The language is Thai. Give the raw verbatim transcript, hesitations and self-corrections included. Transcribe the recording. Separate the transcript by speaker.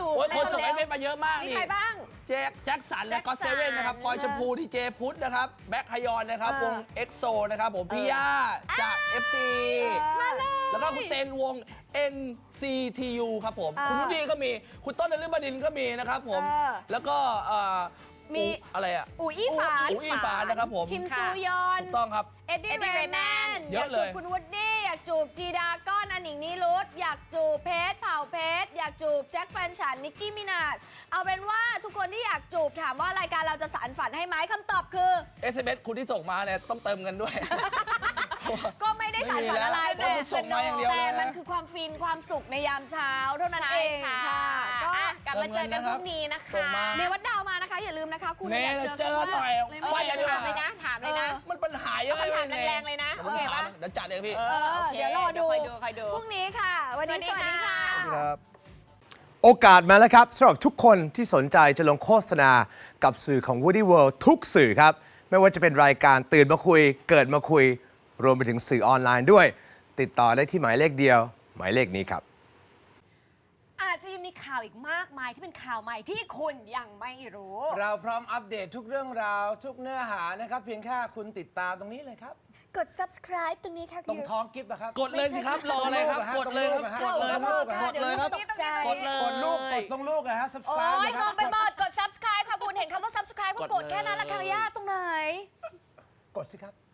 Speaker 1: โอ้ยคนส่งเอสเอ็มเอสมาเยอะมากนี่
Speaker 2: มีใครบ้าง
Speaker 1: เจแจ็คสันและก็เซเว่นนะครับพลอยชมพูดีเจพุทธนะครับแบ็คฮยอนนะครับวงเอ็กโซนะครับผมพี่ย่าจาก เอฟ ซี แล้วก็คุณเตนวง เอ็น ซี ที ยู ครับผมคุณนุดีก็มีคุณต้นนฤบดินก็มีนะครับผมแล้วก็มีอะไรอ่ะ
Speaker 2: อูอี้ฝาน
Speaker 1: อูอี้ฝานนะครับผม
Speaker 2: คิมซูยอน
Speaker 1: ถูกต้องครับ
Speaker 2: เอ็ดดี้เรย์แมน
Speaker 1: เยอะเลย
Speaker 2: คุณวูดดี้อยากจูบจีดาก้อนอันหนิงนิรุตอยากจูบเพชรเผ่าเพชรอยากจูบแจ็คแฟนฉันนิกกี้มินาจเอาเป็นว่าทุกคนที่อยากจูบถามว่ารายการเราจะสานฝันให้ไหมคำตอบคือ
Speaker 1: เอส เอ็ม เอส คุณที่ส่งมาเนี่ยต้องเติมเงินด้วย
Speaker 2: ก็ไม่ได้สานฝันอะไรแต่
Speaker 1: ส่งมาอย่างเดียว
Speaker 2: แต่มันคือความฟินความสุขในยามเช้าเท่านั้นเองค่ะก็
Speaker 3: กลับมาเจอกันพรุ่งนี้นะคะ
Speaker 2: ในวัดดาวมานะคะอย่าลืมนะคะคุณ
Speaker 1: อยากเจอหน่อย
Speaker 3: ว่าอย่าถามเลยนะถามเลยนะ
Speaker 1: มันปัญหาเยอะเลย
Speaker 3: ถามแรงๆเลยนะโอเคป่ะ
Speaker 1: เดี๋ยวจัดเลยพี่
Speaker 2: เดี๋ยวรอดู
Speaker 3: คอยดูคอยดู
Speaker 2: พรุ่งนี้ค่ะวันนี้สวัสดีค่ะ
Speaker 4: โอกาสมาแล้วครับสำหรับทุกคนที่สนใจจะลงโฆษณากับสื่อของ Woody World ทุกสื่อครับไม่ว่าจะเป็นรายการตื่นมาคุยเกิดมาคุยรวมไปถึงสื่อออนไลน์ด้วยติดต่อได้ที่หมายเลขเดียวหมายเลขนี้ครับ
Speaker 3: อาจจะยังมีข่าวอีกมากมายที่เป็นข่าวใหม่ที่คุณยังไม่รู้
Speaker 5: เราพร้อมอัปเดตทุกเรื่องราวทุกเนื้อหานะครับเพียงแค่คุณติดตามตรงนี้เลยครับ
Speaker 2: กด subscribe ตรงนี้ค่ะ
Speaker 5: ตรงท้องกิฟต์นะครับ
Speaker 1: กดเลยสิครับรออะไรครับกดเลยครับกดเลยครับกดเลยครับกดเลย
Speaker 5: กดลูกกดตรงลูกนะฮะ subscribe
Speaker 2: โอ้ยงงไปหมดกด subscribe ค่ะคุณเห็นคำว่า subscribe ก็กดแค่นั้นละค่ะย่าตรงไหน
Speaker 5: กดสิครับ